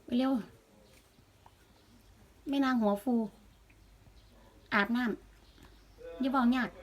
ไปเร็วแม่นางหัวฟูอาบน้ำอย่าบอกยาก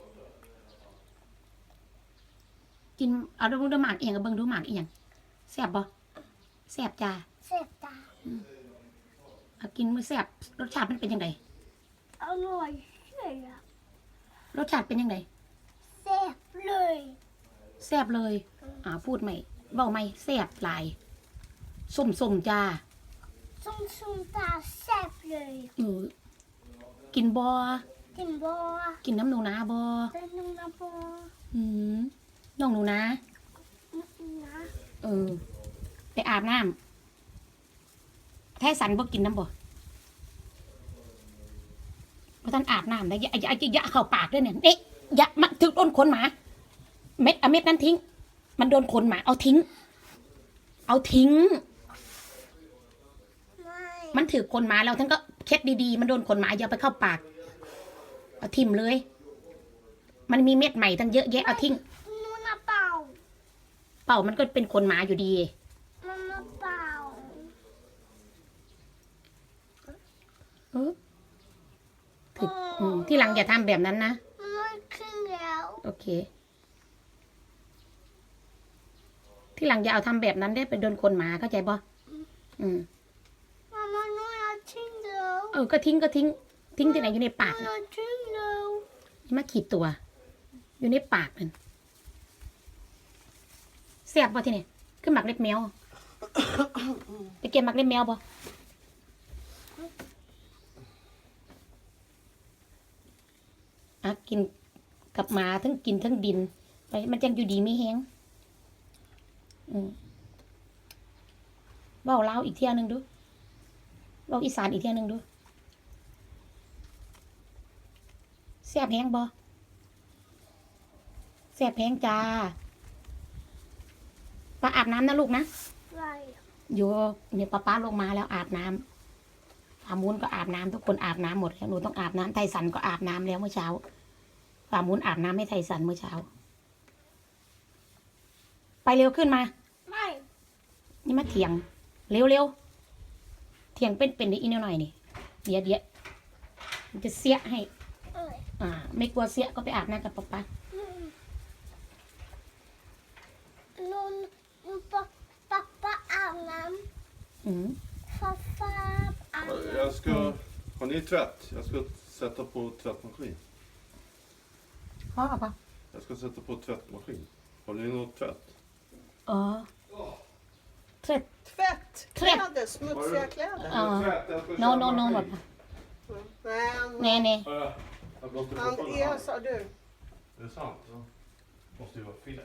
กินเอาดูหมากเอียงกับเบิ่งดูหมากเอียงแซ่บบ่แซ่บจ้าแซ่บตาเอากินมื้อแซ่บรสชาติมันเป็นยังไงอร่อยเลยอะรสชาติเป็นยังไงแซ่บเลยแซ่บเลยพูดใหม่เว้าใหม่แซ่บหลายส้มจ้าส้มตาแซ่บเลยกินบ่กินบัวกินน้ำหนูนาบ่เป็นนุ่งน้ำบัวน้องหนูนานะไปอาบน้ำแท้สันบ่กินน้ำบ่เพราะท่านอาบน้ำได้อย่าเข้าปากด้วยเนี่ยเอ๊ะอย่ามาถึงโดนขนหมาเม็ดนั้นทิ้งมันโดนขนหมาเอาทิ้งมันถือขนหมาแล้วท่านก็เช็ดดีๆมันโดนขนหมาอย่าไปเข้าปากเอาทิ่มเลยมันมีเม็ดใหม่ตั้งเยอะแยะเอาทิ้งนู่นนะเป่ามันก็เป็นขนหมาอยู่ดีนู่นนะเป่าถึกที่หลังอย่าทำแบบนั้นนะมันขึ้นแล้วโอเคที่หลังอย่าเอาทำแบบนั้นได้ไปโดนขนหมาเข้าใจบ่มันนู่นนะทิ้งแล้วก็ทิ้งที่ไหนอยู่ในปากทิ้งแล้วนี่มาขีดตัวอยู่ในปากนั่นแซ่บบ่ที่นี่คือหมักเล็บแมวไปเก็บหมักเล็บแมวบ่กินกับหมาทั้งกินทั้งดินไปมันจังอยู่ดีไม่แห้งเว้าลาวอีกเที่ยนึงดูเว้าอีสานอีกเที่ยนึงดูแซ่บแห้งบ่แซ่บแห้งจ้าป้าอาบน้ำนะลูกนะอยู่เนี่ยป้าลงมาแล้วอาบน้ำฟามูนก็อาบน้ำทุกคนอาบน้ำหมดแล้วหนูต้องอาบน้ำไทสันก็อาบน้ำแล้วเมื่อเช้าฟามูนอาบน้ำให้ไทสันเมื่อเช้าไปเร็วขึ้นมาไม่นี่มาเถียงเร็วเถียงเป็นอีกนิดหน่อยนี่เดี๋ยวมันจะเสียให้ไม่กลัวเสียก็ไปอาบน้ำกับป๊า pappaอาบน้ำpappaอาบน้ำ Har ni tvätt? Jag ska sätta på tvättmaskin. Pappa. Jag ska sätta på tvättmaskin. Har ni något tvätt? Tvätt. Kläder, smutsiga kläder. No, pappa. Nej. Han är, sa du. Det är sant. Ja. Måste ju vara fel.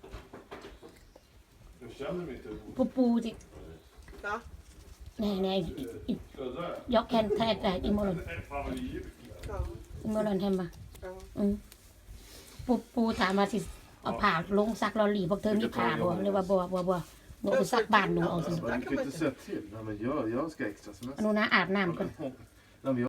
Jag känner mig inte. Påสิ Ja. Nej. Jag kan ta det imorgon. Imorgon hemma. ปูถามมาสิเอาผ่าลงซักลอรีพวกเธอมีผ่าบ่หรือว่าบ่หนูไปซักบ้านหนูเอาสิ Men du kan inte säga till. Nej, men jag ska extra semester. หนูนะอาบน้ำก่อน